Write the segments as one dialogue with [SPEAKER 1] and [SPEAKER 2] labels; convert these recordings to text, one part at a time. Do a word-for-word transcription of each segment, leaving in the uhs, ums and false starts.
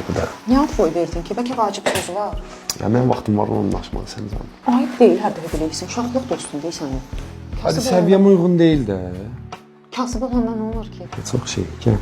[SPEAKER 1] bu da.
[SPEAKER 2] Niyə ad boy verdin ki? Bəlkə vacib sözü var.
[SPEAKER 1] Ya mənim vaxtım var onunla danışmalı sən canım.
[SPEAKER 2] Ayıb deyil hər dəfə bilirsən. Uşaqlıq dostun deyil sənin.
[SPEAKER 1] Hadi səviyyəm uyğun deyil də.
[SPEAKER 2] Kasıb olandan nə olur ki?
[SPEAKER 1] Çox şey, gəl.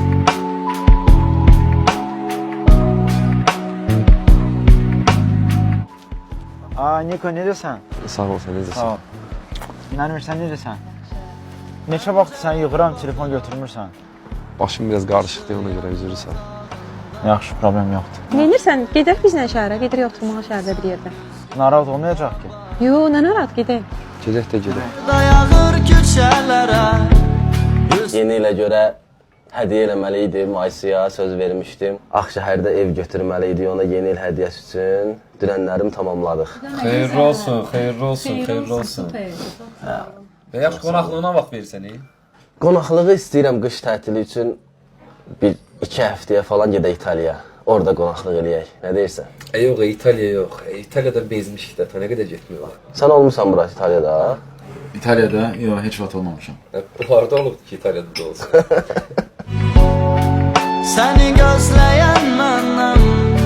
[SPEAKER 3] Aa Niko necəsən?
[SPEAKER 1] Sağ ol sən, necəsən?
[SPEAKER 3] Sağ ol. İnanmır sən necəsən? Neçə vaxt sən yığıram, telefon götürmürsən?
[SPEAKER 1] Başım biraz qarışıqdır, ona görə üzr istəyirəm.
[SPEAKER 3] Yaxşı, problem yoxdur.
[SPEAKER 4] Neynirsən? Gedək bizlə şəhərə, gedirik oturmağa şəhərdə bir yerdə.
[SPEAKER 3] Narahat olmayacaq ki.
[SPEAKER 4] Yo, nə narahat, gedək.
[SPEAKER 1] Gedək də gedək.
[SPEAKER 5] Dayağır küçələrə. Yeni ilə görə hədiyyə eləməli idim, Aysıya söz vermişdim. Ağşəhərdə ev götürməli idi ona yeni il hədiyyəsi üçün. Dünənlərim tamamladıq.
[SPEAKER 6] Xeyirli olsun, xeyirli olsun, xeyirli olsun. Və yaxşı qonaqlığına vaxt verirsən, e?
[SPEAKER 5] Qonaqlığı istəyirəm qış tətili üçün bir iki həftəyə falan gedək İtaliyaya. Orada qonaqlıq eləyək. Nə deyirsən?
[SPEAKER 6] E, yox, İtaliya yox. E, İtaliyada bezmişik də, ta nə qədər getmiyorlar.
[SPEAKER 5] Sən olmusan burası İtaliyada?
[SPEAKER 6] İtaliyada? Yox, heç vaxt olmamışam. E, bunlarda olubdu ki, İtaliyada da olsun.
[SPEAKER 5] Səni gözləyən məndən.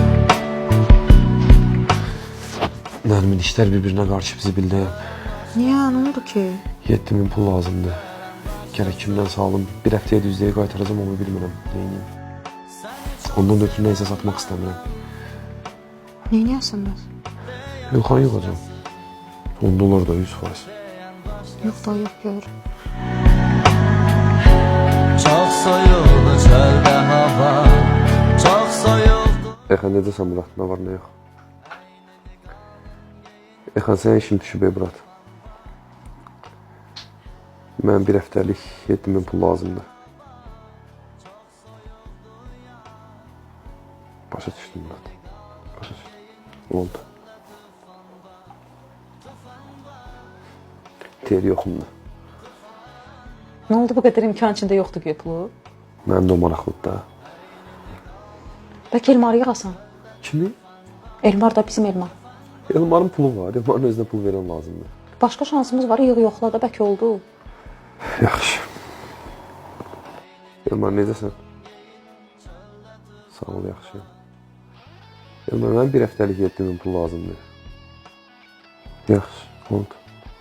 [SPEAKER 1] Mənim işlər bir-birinə qarşı bizi bildəyəm.
[SPEAKER 2] Niyə? Nə oldu ki?
[SPEAKER 1] yeddi min pul lazımdır. Gərək kimdən sağlam bir həftəyə düzdəyə qaytaracam, onu bilmirəm. Neyiniyim? Ondan ötürü neysə satmaq istəmirəm.
[SPEAKER 2] Neyniyəsən bəs?
[SPEAKER 1] Yılxan yığacam. on dolar da yüz faiz.
[SPEAKER 2] Yox da yox gör.
[SPEAKER 5] Çox soyuldu çöldə hava. Çox soyuldu.
[SPEAKER 1] Exan necəsən Murat? Nə var, nə yox? Exan sənə işim düşüb ey Murat. Mən bir həftəlik yeddi min pul lazımdır. Başa düşdüm Murat. Başa düşdüm. Oldu. Teri yoxumda.
[SPEAKER 2] Nə oldu bu qədər imkan içində yoxdur ki pulu?
[SPEAKER 1] Mənim də o maraqlıdır da.
[SPEAKER 2] Bəlkə Elmarı yığasan?
[SPEAKER 1] Kimi?
[SPEAKER 2] Elmar da bizim Elmar.
[SPEAKER 1] Elmarın pulu var. Elmarın özünə pul verən lazımdır.
[SPEAKER 2] Başqa şansımız var, yığ yoxla da bəlkə oldu.
[SPEAKER 1] Yaxşı. Elmar necəsən? Sağ ol, yaxşı. Elmar, mənim bir həftəlik yeddi min pul lazımdır. Yaxşı, oldu.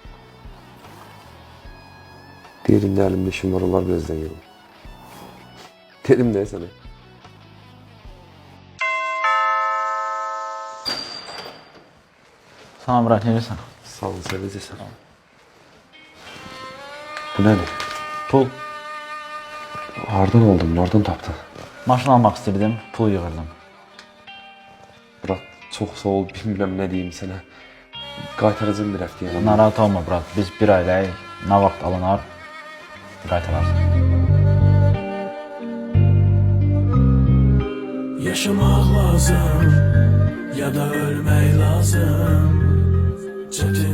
[SPEAKER 1] Deyirəm də əlimdə işim var, onlar birazdan yığım. Dedim nə sənə?
[SPEAKER 3] Salam Murat, necəsən?
[SPEAKER 1] Sağ ol, sən necəsən? Bu nədir?
[SPEAKER 3] Pul.
[SPEAKER 1] Hardan oldun, hardan tapdın?
[SPEAKER 3] Maşın almaq istirdim, pul yığırdım.
[SPEAKER 1] Murat, çox sağ ol, bilmirəm nə deyim sənə. Qaytaracağım bir həftəyə.
[SPEAKER 3] Narahat olma Murat, biz bir ayləyik, nə vaxt alınar, qaytararsan.
[SPEAKER 7] Yaşamaq lazım, ya da ölmək lazım. Çətin